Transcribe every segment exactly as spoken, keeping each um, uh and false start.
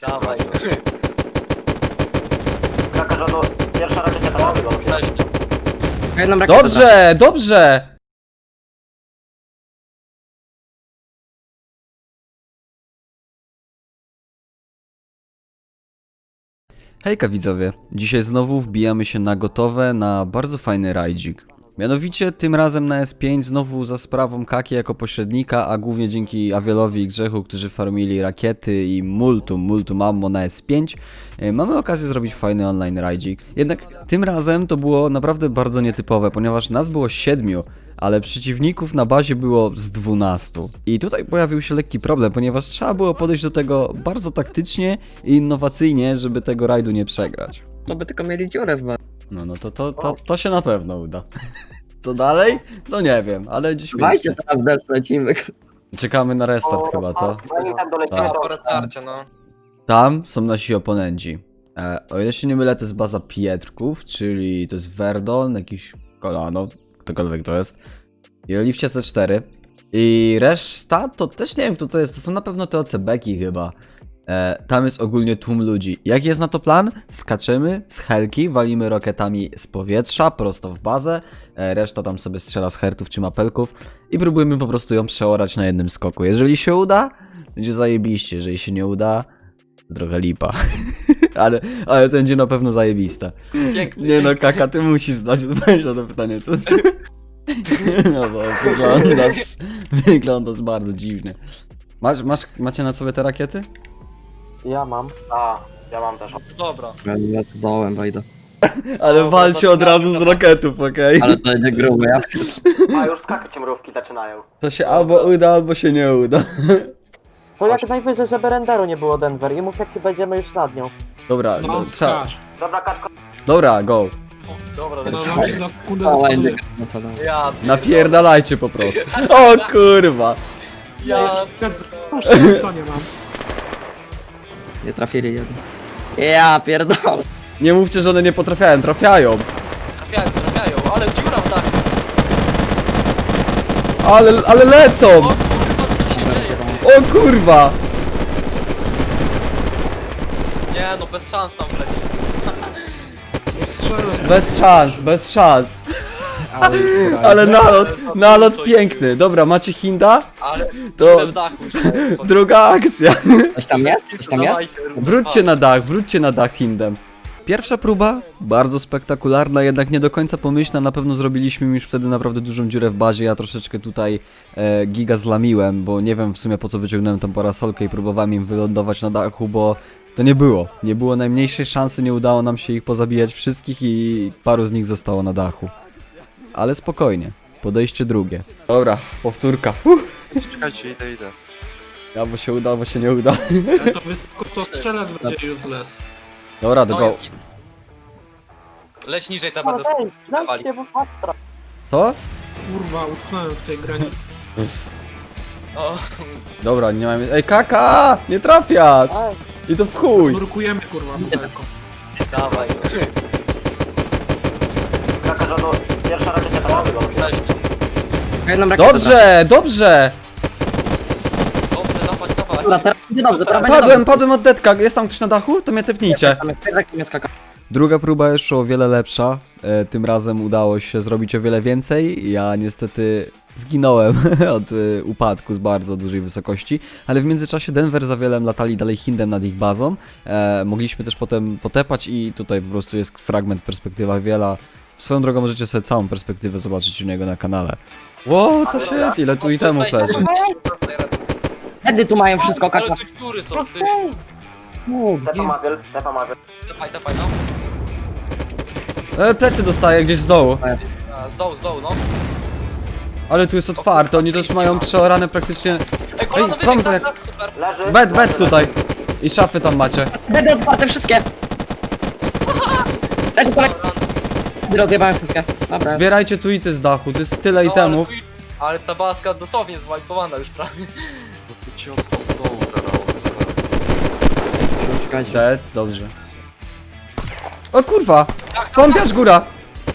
Dawaj. Kraka rządu, pierwsza rakieta tam wygląda. Jedną rakietę Dobrze, dobrze! Hejka widzowie, dzisiaj znowu wbijamy się na gotowe, na bardzo fajny rajdzik. Mianowicie tym razem na S pięć znowu za sprawą Kaki jako pośrednika, a głównie dzięki Awielowi i Grzechu, którzy farmili rakiety i multum, multum ammo na S pięć, e, mamy okazję zrobić fajny online rajdzik. Jednak tym razem to było naprawdę bardzo nietypowe, ponieważ nas było siedmiu, ale przeciwników na bazie było z dwunastu. I tutaj pojawił się lekki problem, ponieważ trzeba było podejść do tego bardzo taktycznie i innowacyjnie, żeby tego rajdu nie przegrać. To by tylko mieli dziurę w bar. No, no to, to, to, to się na pewno uda. Co dalej? No nie wiem, ale dziś Dajcie mieliście. tam deszcz, lecimy. Czekamy na restart chyba, co? Zanim tam dolecimy, Tak. to... Po restarcie, no. Tam są nasi oponenci. E, o ile się nie mylę, to jest baza Pietrków, czyli to jest Verdon, jakiś kolano, ktokolwiek to jest. I Oliwcie C cztery. I reszta to też nie wiem kto to jest, to są na pewno te O C beki chyba. E, tam jest ogólnie tłum ludzi. Jaki jest na to plan? Skaczemy z helki, walimy rokietami z powietrza prosto w bazę, e, reszta tam sobie strzela z hertów czy mapelków i próbujemy po prostu ją przeorać na jednym skoku. Jeżeli się uda, będzie zajebiście, jeżeli się nie uda, to trochę lipa. ale, ale to będzie na pewno zajebiste. Piękny. Nie no, Kaka, ty musisz znać odpowiedź na to pytanie, co? No bo wyglądasz, wyglądasz bardzo dziwnie. Masz, masz, macie na sobie te rakiety? Ja mam. A, ja mam też. Dobra. Ja tu dołem wejdę. Ale walcie od razu z roketów, okej? Ale to będzie grube, ja. A, już skakać mrówki zaczynają. To się albo uda, albo się nie uda. To jak najwyżej, żeby renderu nie było Denver i mów jak będziemy już nad nią. Dobra, No, no, trzeba. skacz. Dobra, kaczko. Dobra, go. Dobra, No, lecimy. mam się za sekundę O, zapazuję. będzie no to dam. Ja Napierdalajcie po prostu. O kurwa. Ja Co nie mam? Nie trafili jeden. Ja pierdolę. Nie mówcie, że one nie potrafiają, trafiają. trafiają, trafiają, ale dziura w dachu. Ale, ale lecą! O kurwa, co się dzieje? O kurwa! Nie no, bez szans tam leci. Strzelę. Bez szans, bez szans. Ale, Ale nalot, nalot piękny. Dobra, macie Hinda? Ale To- dziurę w dachu. że- co- Druga akcja. Coś tam jest? Coś tam jest? Dawajcie, rób- Wróćcie na dach, wróćcie na dach Hindem. Pierwsza próba, bardzo spektakularna, jednak nie do końca pomyślna, na pewno zrobiliśmy już wtedy naprawdę dużą dziurę w bazie, ja troszeczkę tutaj e, giga zlamiłem, bo nie wiem w sumie po co wyciągnąłem tą parasolkę i próbowałem im wylądować na dachu, bo to nie było, nie było najmniejszej szansy, nie udało nam się ich pozabijać wszystkich i paru z nich zostało na dachu. Ale spokojnie, podejście drugie. Dobra, powtórka. Uff. Czekajcie, idę, idę. Albo się uda, albo się nie uda. to wysoko to strzelec będzie useless. Dobra, do No go. jest git. Leć niżej, tam No będę ej, dawali. znajdźcie, bo faktra. To? Kurwa, utknąłem w tej granicy. O, Dobra, nie mamy. Ej, Kaka! Nie trafiać! Ej, I to w chuj! Nurkujemy kurwa daleko. dawaj. Kraka rządu, pierwsza rakieta tam wygląda. Leźmy. Jedną rakietę Dobrze, dobrze! Dobrze, dawać, dawać. Dobra, teraz będzie dobrze, teraz będzie Padłem, dobrze. padłem od detka. Jest tam ktoś na dachu? To mnie tepnijcie. Tam jest Piotrek, nie skaka. Druga próba jeszcze o wiele lepsza. E, tym razem udało się zrobić o wiele więcej. Ja niestety zginąłem od e, upadku z bardzo dużej wysokości, ale w międzyczasie Denver z Awielem latali dalej Hindem nad ich bazą. E, mogliśmy też potem potepać i tutaj po prostu jest fragment perspektywa Awiela. Swoją drogą możecie sobie całą perspektywę zobaczyć u niego na kanale. Ło, to shit, ile tu itemów też. Wtedy tu mają wszystko, Ale kaka. tu dziury są, ty. Tepa Mawiel, Tepa Mawiel. Dawaj, dawaj, no. E, plecy dostaję gdzieś z dołu. A, Z dołu, z dołu, no. Ale tu jest otwarte, oni też mają przeorane praktycznie. Ej, kolano Ej, wam wybieg, tak, tak- tak, super. Leży. Bet, bet tutaj. I szafy tam macie. Będę otwarte wszystkie. Też Piotrek. Rozjebałem wszystkie. Dobra. Zbierajcie tu ity z dachu, to jest tyle No, itemów. ale, ale ta baska dosłownie zwajpowana już prawie. No to ci od, od dołu teraz odzyskałem. Czekajcie. Dead, dobrze. O kurwa! Kąpiarz góra!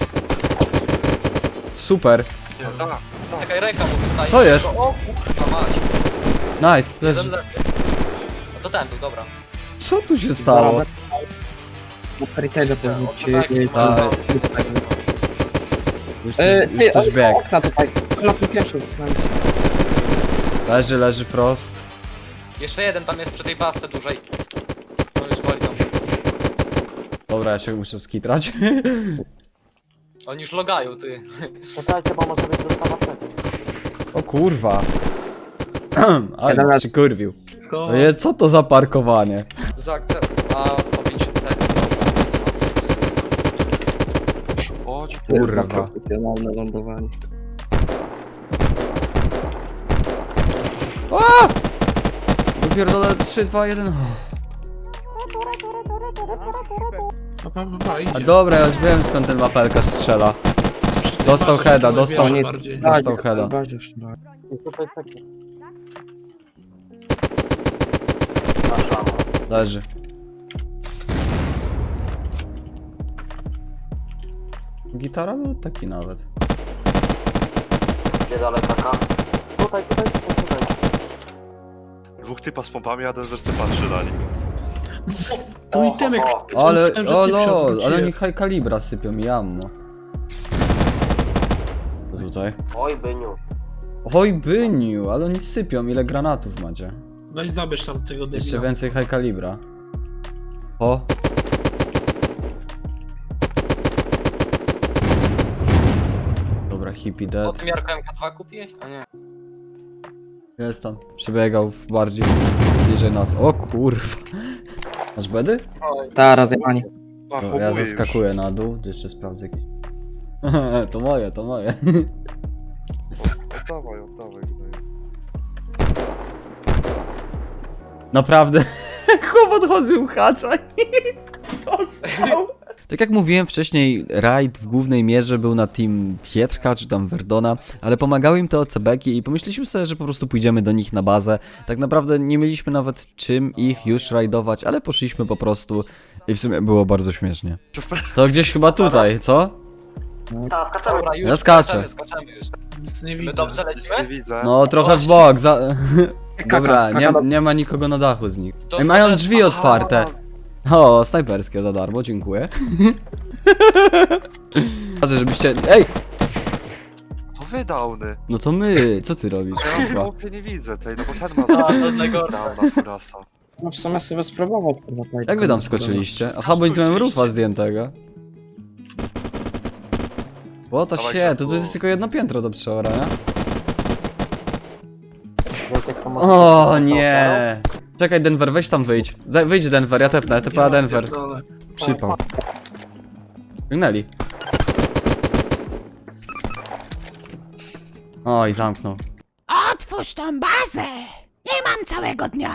Super, Nie, tak. Czekaj, ręka mu wystaje. Co jest? O kurwa mać. nice, leży. Jeden leży. A to ten był, dobra. Co tu się stało? Na Heritage to O, ci... tak, tak. Już, Yy, już ty, ktoś oj, biegł. okna tutaj. Na tym pierwszym. Leży, leży Frost. Jeszcze jeden tam jest przy tej basce dużej. On już wali tam. Dobra, ja się muszę skitrać. Oni już logają, ty. Czekajcie, bo może być dostawa wtedy. O kurwa. Ale Jeden się raz. kurwił. Go. Oje, co to za parkowanie? Za akcent. A, sto pięćdziesiąt sekund. Chodź, Kurwa. Profesjonalne lądowanie. A! Dopierdolę trzy, dwa, jeden. Pa, pa, pa, pa, A idzie. dobra, ja już wiem skąd ten wapelka strzela. Przy tej dostał bazie heada, w tyłu dostał- wieży nie- bardziej. Tak. Dostał heada. I tutaj sekund. Masz ramo. Leży. Gitara był taki nawet. Gdzie dalej kaka? Tutaj, tutaj, tutaj, tutaj. dwóch typa z pompami, a ten wersy patrzy na nich. Tu i Tymek. o, Ale, myślałem, że o ty się lol, ale odwróciłem. oni high kalibra sypią mi ammo. Co tutaj? Oj, byniu. Oj byniu, ale oni sypią, ile granatów macie? Weź zabierz tam tego debila. Jeszcze więcej high kalibra. O! Dobra, hippie O dead. tym Jarko M K dwa kupiłeś? A nie. Jest tam. Przebiegał w bardziej bliżej nas. O kurwa. Masz bedy? Oj. Ta, rozjechanie. A, No, ja homuje zaskakuję na dół, to jeszcze sprawdzę jakieś. To moje, to moje. już. O, oddawaj, oddawaj. gnoju. Naprawdę. Chłop odchodził hacza i Tak jak mówiłem wcześniej, rajd w głównej mierze był na team Pietrka czy tam Verdona, ale pomagały im te O C B-ki i pomyśleliśmy sobie, że po prostu pójdziemy do nich na bazę. Tak naprawdę nie mieliśmy nawet czym ich już rajdować, ale poszliśmy po prostu i w sumie było bardzo śmiesznie. To gdzieś chyba tutaj, co? Ta, skaczemy. Dobra, już Ja skaczę. skaczemy, skaczemy już. Nic nie My widzę. dobrze Nic nie lecimy? widzę. No trochę w bok, za... Dobra, nie, nie ma nikogo na dachu z nich. To- Ej, mają to- drzwi otwarte. O, snajperskie za darmo, dziękuję. Patrzę, żebyście... Ej! To wy downy. No to my, co ty robisz? Ja w Kurwa. chłopie nie widzę tej, no bo ten ma A, to jest najgorsze. downa furasa. No w sumie sobie spróbować. kurwa, tutaj. Jak wy tam skoczyliście? Aha, bo nie tu miałem rufa zdjętego. Bo to Dawaj, się, to, to Grzechu. jest tylko jedno piętro do przeora, nie? Wiecie, kto może O być nie! Czekaj Denver, weź tam wyjdź. Daj- Wyjdź Denver, ja tepnę, tepa Denver. Pierdolę. Przypał. Wygnęli. Oj, zamknął. Otwórz tą bazę! Nie mam całego dnia!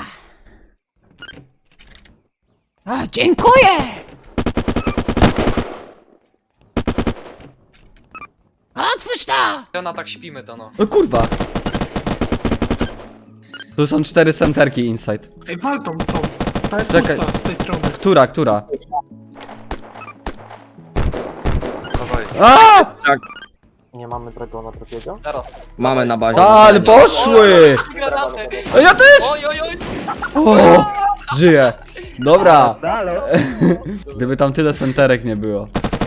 O, dziękuję! Otwórz to! Na tak śpimy to no. O kurwa! Tu są cztery centerki inside. Ej, wal tą, tą. Ta jest Czekaj. pusta z tej strony. Która, która? Dawaj. A! Nie mamy dragona drugiego? Teraz. Mamy na bazie. A, ale poszły! Granaty! A ja też! Oj, oj, oj! O! Żyję! Dobra! Gdyby tam tyle centerek nie było.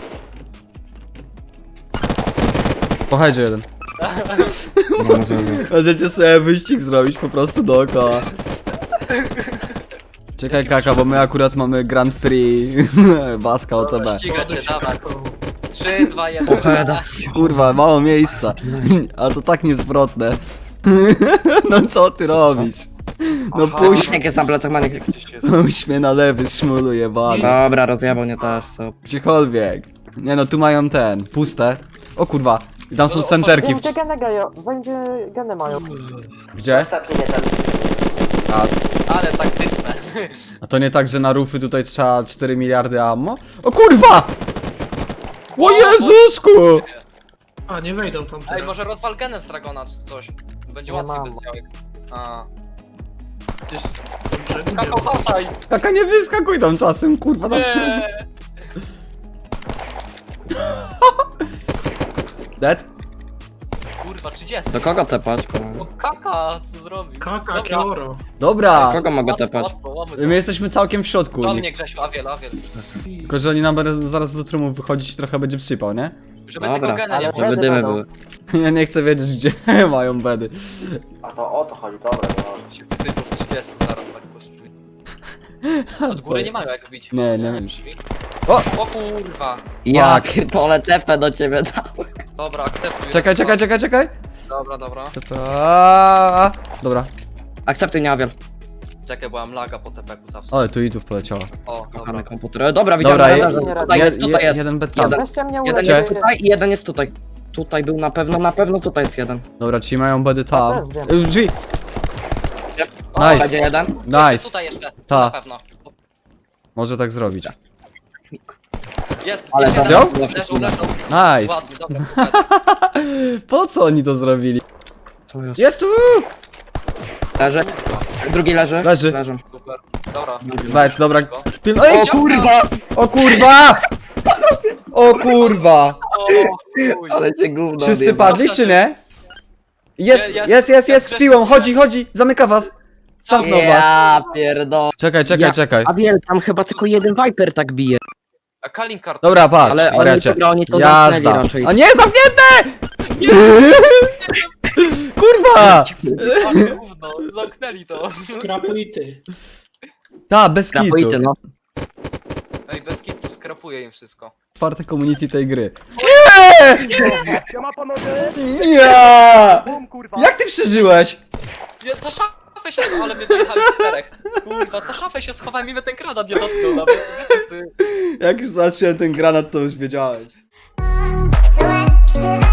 Pochajdzie jeden. Możecie sobie wyścig zrobić po prostu dookoła. Czekaj kaka, bo my akurat mamy Grand Prix Baska O C B. Ściga cię, dawaj. trzy, dwa, jeden. Heda. Kurwa, mało miejsca. A to tak niezwrotne. No co ty robisz? No puść, Jak jest na plecach Maniek. Gdzieś jest. puść mnie na lewy, szmulu jebany. Dobra, rozjebał mnie też, co. Gdziekolwiek. Nie no, tu mają ten, puste. O kurwa, i tam są centerki. Wiem, gdzie geny gają, będzie geny mają. Gdzie? Sepnie nie ten. A, Ale taktyczne. a to nie tak, że na rufy tutaj trzeba cztery miliardy ammo? O kurwa! O Jezusku! A, nie wejdą tam Ej, teraz. może rozwal genę z Dragona czy coś. Będzie Nie łatwiej mam. bez działek. A. Gdzieś do brzegu nie Kakao, ma. haszaj! Taka nie wyskakuj tam czasem, kurwa. tam- Nie! Dead? Kurde, kurwa, trzydzieści. Do kogo tepać? O kaka, co zrobił? Kaka, Dobra. kioro. Dobra! Kogo mogę Łatwo, tepać? łatwo, łamy to. My jesteśmy całkiem w środku. Do Nie- mnie Grzesiu, Awiel, Awiel. Tylko, że oni nam będą zaraz do trumu wychodzić i trochę będzie przypał, nie? Żeby Dobra, tego gena nie ale było. Żeby dymy będą. były. Ja nie chcę wiedzieć, gdzie mają bedy. A to o to chodzi, dobra, no. Się wysypał z trzydzieści zaraz tak poszli. Od góry nie mają jak wbić. Nie, nie wiem. Drzwi. O! O kurwa. Ja Fuck. pierdolę tepę do ciebie dałem. Dobra, akceptuj. Czekaj, czekaj, czekaj, czekaj! Dobra, dobra. Aaaa, Dobra. Akceptuj, nie Awiel. Czekaj, bo mam laga po tepeku zawsze. Ale tu i tu poleciała. O, dobra. Kochany komputer. Dobra, widziałem Dobra, radarze. je- Tutaj jest, tutaj jest. Jeden bed tam. Jeden. Weźcie mnie Jeden Gdzie? jest tutaj i jeden jest tutaj. Tutaj był na pewno, na pewno tutaj jest jeden. Dobra, czyli mają bedy Ja tam. też wiem. Y, Drzwi! O, Nice. Będzie jeden. Nice. Tutaj jeszcze, Ta. na pewno. Może tak zrobić. Jest, Ale jest wziął? jeden. Leżą, leżą. Nice! Ładnie, dobra. super. Po co oni to zrobili? Co jest? Jest tu! Leży. Drugi leży. Leży. Leżą. Super. Dobra. Weź, dobra. Go. Pil... Ej, O kurwa! o kurwa! O kurwa! O, chuj. Ale cię gówno Wszyscy odjebał. padli, czy nie? Jest, Jest, jest, jest, jest z jest, piłą, jest. chodzi, chodzi, zamyka was. Zamknął was. Ja pierdolę. Czekaj, czekaj, Ja- czekaj. Awiel, tam chyba tylko jeden Viper tak bije. A Kalin kart. Dobra, patrz, Ale oni, wariacie. dobra, oni to zamknęli Jazda. raczej. A nie, zamknięte! Kurwa! Ale gówno, zamknęli to. Skrapulity. Ta, bez kitu. Kapujcie, no. Ej, bez kitu skrapuje im wszystko. Czwarte community tej gry. Nie! Nie! Jak ty przeżyłeś? Ja za szafę się, ale my dojechali czterech. Kurwa, za szafę się schowałem i mnie ten granat nie dotknął nawet. Ty. Jak już zacząłem ten granat, to już wiedziałeś. Złe,